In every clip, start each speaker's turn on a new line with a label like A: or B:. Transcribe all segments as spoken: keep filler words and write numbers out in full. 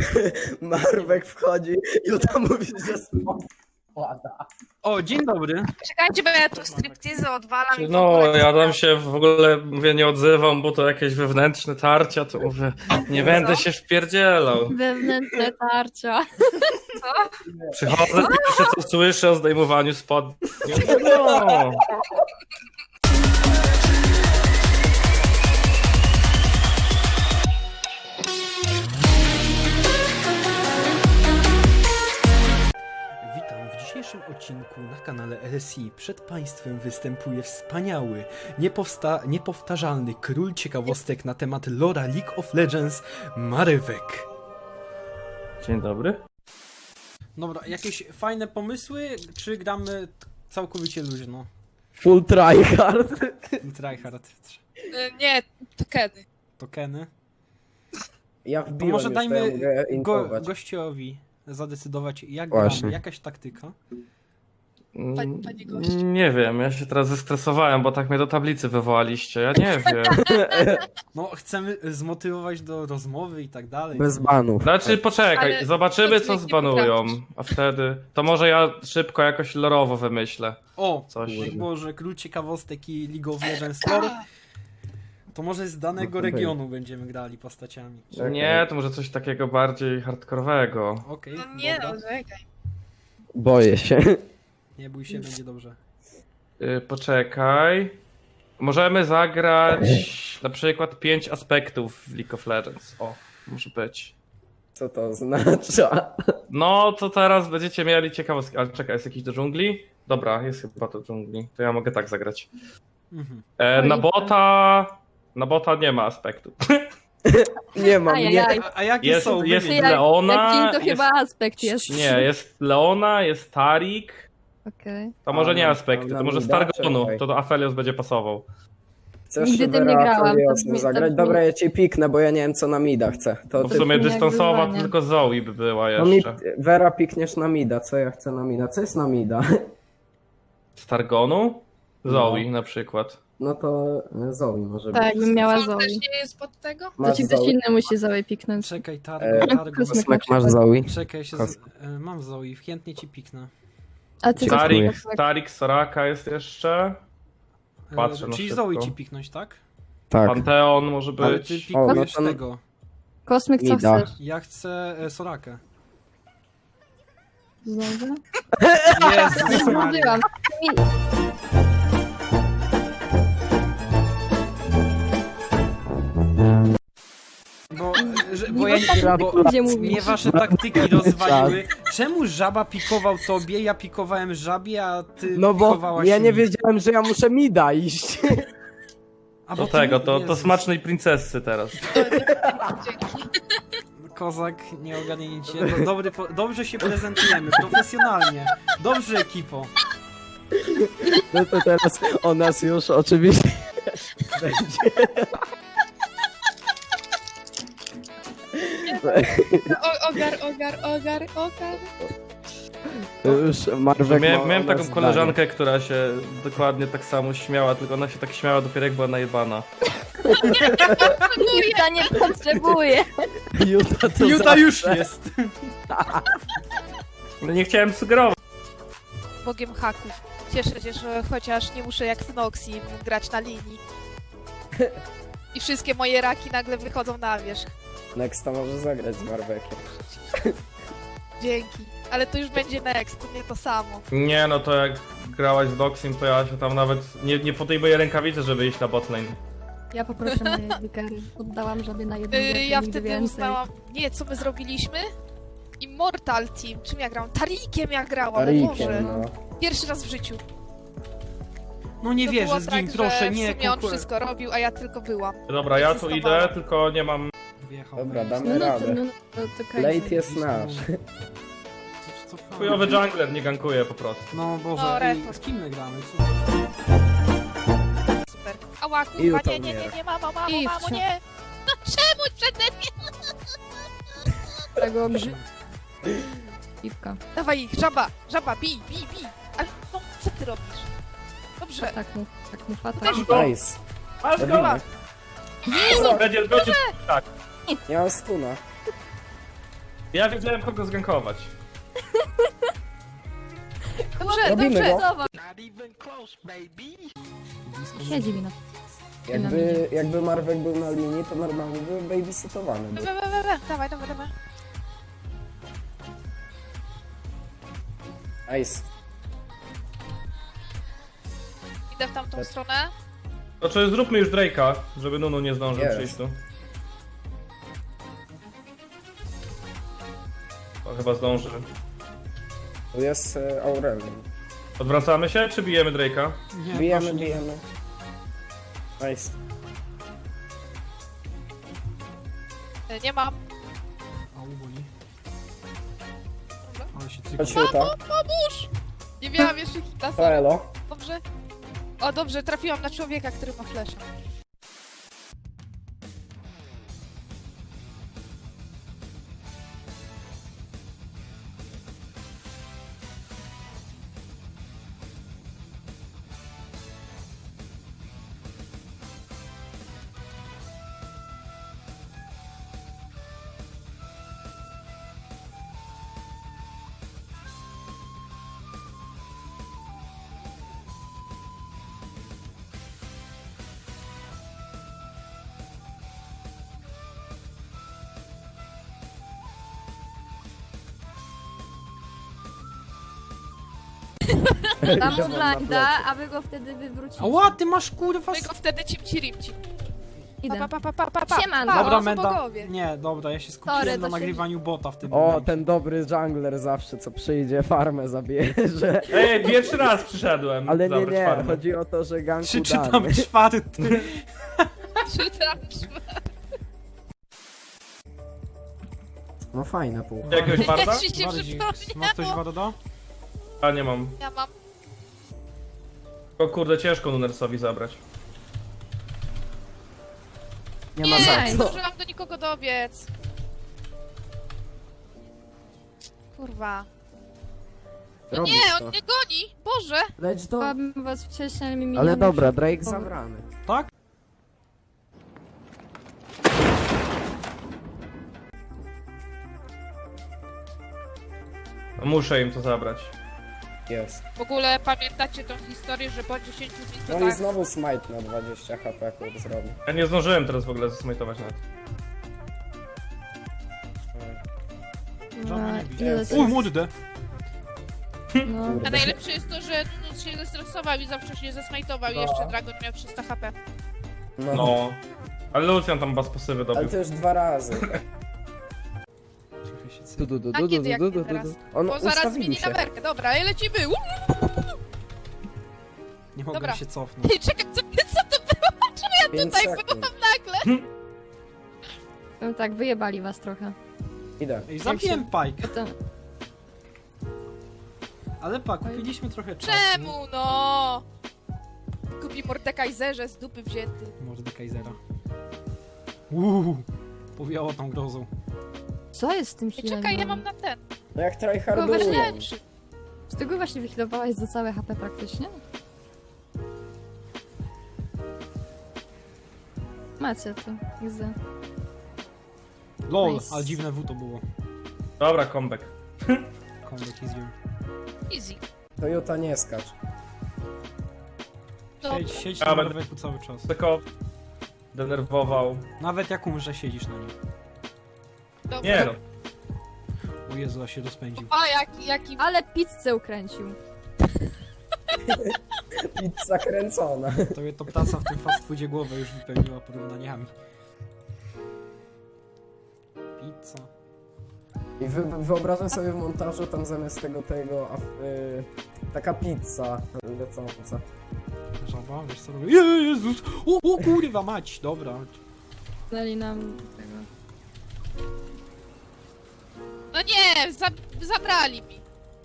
A: Marwek wchodzi i Juta mówi, że spada.
B: O, dzień dobry.
C: Czekajcie, bo ja tu striptease odwalam i w
D: No,
C: ogóle-
D: ja tam się w ogóle, mówię, nie odzywam, bo to jakieś wewnętrzne tarcia, to mówię, nie będę się wpierdzielał.
E: Wewnętrzne tarcia.
D: Przychodzę i pierwsze co słyszę o zdejmowaniu spodni. No.
B: Witam w dzisiejszym odcinku na kanale L S I. Przed Państwem występuje wspaniały, niepowsta- niepowtarzalny król ciekawostek na temat lora League of Legends, Marywek.
D: Dzień dobry.
B: Dobra, jakieś fajne pomysły, czy gramy t- całkowicie luźno?
A: Full tryhard.
B: Tryhard,
C: Y, Nie, to kiedy?
B: tokeny.
A: Ja
B: To
A: wbiłem
B: może
A: już, to ja
B: dajmy
A: mogę
B: go-
A: infować.
B: gościowi zadecydować, jak
A: Właśnie.
B: gramy, jakaś taktyka.
C: Pani- pani gość.
D: Nie wiem, ja się teraz zestresowałem, bo tak mnie do tablicy wywołaliście, ja nie wiem.
B: No, chcemy zmotywować do rozmowy i tak dalej.
A: Bez banów.
D: Znaczy, poczekaj,
C: Ale
D: zobaczymy
C: to
D: co
C: nie
D: zbanują,
C: potrafisz.
D: a wtedy, to może ja szybko jakoś lorowo wymyślę.
B: O,
D: Coś.
B: jak było, że król ciekawostek i League of Legends lore, to może z danego regionu będziemy grali postaciami.
A: Czekaj.
D: Nie, to może coś takiego bardziej hardkorowego.
B: Okej,
C: No nie,
B: dobra.
C: no czekaj.
A: Boję się.
B: Nie bój się, będzie dobrze.
D: Yy, poczekaj. Możemy zagrać na przykład pięć aspektów w League of Legends. O, może być.
A: Co to oznacza?
D: No, to teraz będziecie mieli ciekawostki. Ale czekaj, jest jakiś do dżungli? Dobra, jest chyba do dżungli. To ja mogę tak zagrać.
B: Mhm.
D: E, na
E: Oj.
D: bota... Na bota nie ma aspektu.
A: Nie mam, nie.
E: Ajajaj.
B: A, a jakie
D: Jest,
B: są?
D: jest
B: Wymień.
E: Jak-
D: Leona...
E: Jak dzień to
D: jest,
E: chyba aspekt jest.
D: Nie, jest Leona, jest Tarik.
E: Okej.
D: To może
A: A,
D: nie
A: na-
D: aspekty,
A: na
D: to może
A: mida?
D: Stargonu.
A: Czekaj.
D: To do Aphelios będzie pasował.
A: Chcesz
E: Nigdy tym nie
A: Vera
E: grałam, to
A: Apheliosem
E: brzmi- to
A: zagrać?
E: brzmi-
A: Dobra, ja cię piknę, bo ja nie wiem co na mida chcę. To
D: Bo w
A: ty...
D: sumie
E: jak
D: dystansowa to
E: wyzwanie.
D: tylko Zoe by była
A: No mi...
D: jeszcze.
A: Vera pikniesz na mida, co ja chcę na mida? Co jest na mida?
D: Stargonu? Zoe
A: No.
D: na przykład.
A: No to Zoe może
E: Tak,
A: być.
E: jakbym miała
C: Co
E: Zoe.
C: też nie jest pod tego?
E: To
A: Masz
E: ci ktoś
A: Zoe?
E: inny musi Zoe piknąć.
B: Czekaj,
A: E,
B: Targo, Targo.
E: Kosmek.
A: Kosmek masz Zoe?
B: Czekaj, się z... e, mam Zoe, chętnie ci piknę.
E: A ty
A: Dziękuję.
D: Tarik,
E: Kosmek.
D: Tarik, Soraka jest jeszcze.
B: E,
D: Patrzę na
B: Czyli
D: szybko.
B: Zoe ci piknąć, tak?
A: Tak.
D: Panteon może
B: Ale
D: być.
B: ty
A: O, no
B: pikujesz
A: to-
B: tego.
E: Kosmyk, co
A: Mida.
E: chcesz?
B: Ja chcę e, Sorakę.
E: Znowu?
B: Jezus Maria.
E: Mówiłam.
B: Bo, e, że, bo ja
E: Nie
B: bo
E: będzie mówić.
B: mnie wasze taktyki rozwaliły. Czemu żaba pikował tobie, ja pikowałem żabie, a ty
A: No bo
B: pikowałaś
A: ja nie
B: mi?
A: wiedziałem, że ja muszę mida iść.
B: A
D: Do
B: bo ty-
D: tego, to, to
B: Jezus.
D: smacznej princessy teraz.
C: Dzięki.
B: Kozak, nie ogarnięcie. Do, dobry, po- dobrze się prezentujemy, profesjonalnie. Dobrze, ekipo.
A: No to teraz o nas już oczywiście będzie.
C: O, ogar, ogar, ogar, ogar.
A: Już Marwek
D: Miałem,
A: ma o
D: miałem
A: nas
D: taką koleżankę, która się dokładnie tak samo śmiała, tylko ona się tak śmiała dopiero jak była najebana.
E: Juta nie potrzebuje.
A: zdanie. Juta, to
B: Juta
A: za-
B: już jest.
D: No nie chciałem sugerować.
C: Bogiem haków. Cieszę się, że chociaż nie muszę jak Synoxi grać na linii. I wszystkie moje raki nagle wychodzą na wierzch.
A: Nexta może zagrać z Marwekiem.
C: Dzięki. Ale to już będzie next, to nie to samo.
D: Nie no, to jak grałaś z Doxim, to ja się tam nawet nie, nie podejmuję rękawicy, żeby iść na botlane.
E: Ja poproszę moje wikery. Oddałam żabie na jedną
C: Yy,
E: wielką,
C: ja
E: nigdy
C: wtedy
E: więcej.
C: uznałam... Nie, co my zrobiliśmy? Immortal Team. Czym ja grałam? Tarikiem ja grałam, ale
A: Tarikiem,
C: Boże.
A: no.
C: Pierwszy raz w życiu.
B: No nie
C: To
B: wierzę,
C: było
B: zgin,
C: tak,
B: proszę,
C: że
B: nie,
C: w sumie on
B: konkuren-
C: wszystko robił, a ja tylko byłam.
D: Dobra, ja tu
C: Egzystowała.
D: idę, tylko nie mam...
B: Wjechał.
A: Dobra,
E: No,
A: damy
E: no, to,
A: radę.
E: no, to, to crazy.
A: Late jest nasz.
B: Co- co-
D: Chujowy jungler nie gankuje po prostu.
B: No Boże,
C: No,
B: ej,
C: report.
B: z kim my gramy? Co?
C: Super. Ała,
A: I
C: kurwa,
A: Juta
C: nie, nie, nie,
A: umiera.
C: nie, mamo, mamo,
E: I
C: mamo,
E: wciąż.
C: nie! No czemu przede mnie?
E: Tego grzy... Piwka.
C: Dawaj ich, żaba, żaba, bij, bij, bij! Ale no, co ty robisz? Dobrze.
E: Tak mów, tak mów, a tak.
C: Też go.
A: Nice.
D: Masz go!
A: Robimy.
D: Będzie będzie tak.
A: Nie mam stuna.
D: Ja wiedziałem kogo zgankować.
C: Dobrze,
A: Robimy
C: dobrze.
A: go.
E: Zobacz. Siedzi mi na...
A: Jakby, jakby Marwek był na linii, to normalnie był babysitowany.
C: We, we, we, we. Dawaj, dawaj, dawaj.
A: Nice.
C: Idę w tamtą stronę.
D: To czy zróbmy już Drake'a, żeby Nunu nie zdążył
A: Jest.
D: przyjść tu. To chyba zdąży.
A: Tu jest e, Aurelion.
D: Odwracamy się, czy bijemy Drake'a?
B: Nie,
A: Bijemy,
B: proszę, nie.
A: bijemy. Nice.
C: E, Nie mam.
B: Au, boli. Ale się
A: Chodź
B: cykło.
A: Juta.
C: Pomóż! Nie miałam jeszcze hita,
A: To
C: sorry.
A: elo.
C: Dobrze? O, dobrze, trafiłam na człowieka, który ma flesza.
E: Dam mu
A: Idę wam na
E: blinda,
A: plecy.
E: a wy go wtedy wywrócicie.
B: Ała, ty masz kurwa...
C: My
B: s-
C: go wtedy cimci rimci. Pa,
E: Idę.
C: pa, pa, pa, pa, pa.
E: Siemanko.
C: Pa,
B: Dobra,
C: to są
B: Menda.
C: bogowie.
B: Nie, dobra, ja się skupiłem
E: Sorry,
B: na
E: to się-
B: nagrywaniu bota w tym
A: O,
B: momencie.
A: ten dobry jungler zawsze, co przyjdzie, farmę zabierze.
D: Ej, pierwszy raz przyszedłem.
A: Ale nie,
D: zabrać
A: nie,
D: farmę.
A: chodzi o to, że ganku
B: Przeczytam
A: damy.
B: czwarty.
C: Czytam.
A: No fajne pół.
D: Jakiegoś barda?
C: Jak się nie
B: Bardziej. Masz ktoś
C: przypomniało.
B: Wadoda?
D: A nie mam.
C: Ja mam.
D: O kurde, ciężko Nunersowi zabrać.
A: Nie ma
C: Nie,
A: za
C: nie
A: co.
C: zdążyłam do nikogo dobiec. Kurwa. No
A: Robisz
C: nie,
A: to.
C: on mnie goni! Boże!
A: Leć do...
E: Chciałabym was wcześniej, ale mi
A: Ale
E: miniony
A: dobra,
E: już-
A: Drake zabrany.
B: Tak?
D: No, muszę im to zabrać.
A: Jest.
C: W ogóle pamiętacie tą historię, że po dziesięciu
A: No i
C: minutach...
A: znowu smite na dwadzieścia H P, kur zrobi.
D: Ja nie zdążyłem teraz w ogóle zasmajtować nawet.
B: Żadna
E: Na
B: nie
E: ile
A: Jest.
B: Uj, młody D.
E: No.
A: Kurde.
C: A najlepsze jest to, że Nunus się zestresował i za wcześnie zesmajtował i
A: No.
C: jeszcze Dragon miał trzysta H P.
A: No.
D: No. Ale Lucian tam bas pasywy
A: Ale
D: dobił.
A: to już dwa razy.
B: Trochę się
A: Du,
B: cykło.
A: du, du,
C: A
A: du,
C: kiedy,
A: du,
C: jak
A: du,
C: nie
A: du, du,
C: teraz?
A: du. On
C: Bo zaraz
A: ustawili
C: zmieni
A: się.
C: na merkę. Dobra, i lecimy! Uuu!
B: Nie mogę
C: Dobra.
B: się cofnąć.
C: Ej, czekaj, co, co to było? Czemu ja
A: Pięć
C: tutaj
A: sekund.
C: byłam nagle?
E: No tak, wyjebali was trochę.
A: Idę.
B: Ej, zabiłem Pike.
E: Potem...
B: Ale pa, kupiliśmy trochę czasu.
C: Czemu no? Kupi Mordekaiserze z dupy wzięty.
B: Mordy Kaisera. Uuu, powiało tam grozą.
E: Co jest z tym
C: Ej,
E: healem?
C: czekaj, ja mam na ten.
A: No jak
E: Tylko
A: tryhardują.
E: właśnie-
C: Lepszy.
E: Z tego właśnie wyhealowałeś za całe H P praktycznie? Macie to, widzę.
B: LOL,
E: Nice.
B: ale dziwne W to było.
D: Dobra, comeback.
B: Comeback is you.
C: Easy.
A: Toyota nie skacz.
C: Dobra.
B: Siedź, siedź
D: Ja
B: na
D: będę-
B: Marweku cały czas.
D: Tylko denerwował.
B: Nawet jak umrze, siedzisz na nim.
C: Dobra.
D: Nie no.
B: O Jezu, a się rozpędził.
C: A, jaki, jaki...
E: Ale pizzę ukręcił.
A: Pizza kręcona.
B: To, to praca w tym fast foodzie głowę już wypełniła porównaniami. Pizza.
A: I wy, wyobrażam sobie w montażu tam zamiast tego tego a, y, taka pizza lecąca.
B: Żaba, wiesz co robię? Je- Jezus! O, o kurwa mać! Dobra.
E: Dali nam tego.
C: No nie, za, zabrali mi.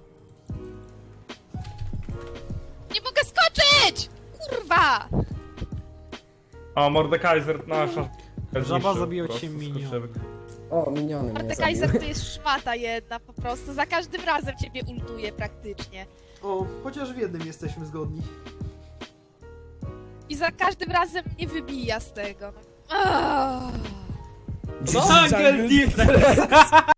C: Nie mogę skoczyć! Kurwa!
D: O, Mordekaiser nasza.
B: Żaba
D: Zniszczył
B: zabiła
D: po
B: cię
D: prostu
B: minion.
D: skurczybyk.
A: O, miniony mnie
C: Mordekaiser
A: zabiły.
C: to jest szmata jedna po prostu. Za każdym razem ciebie ultuje praktycznie.
B: O, chociaż w jednym jesteśmy zgodni.
C: I za każdym razem mnie wybija z tego. No. Ah.
A: Jungle
B: Defense!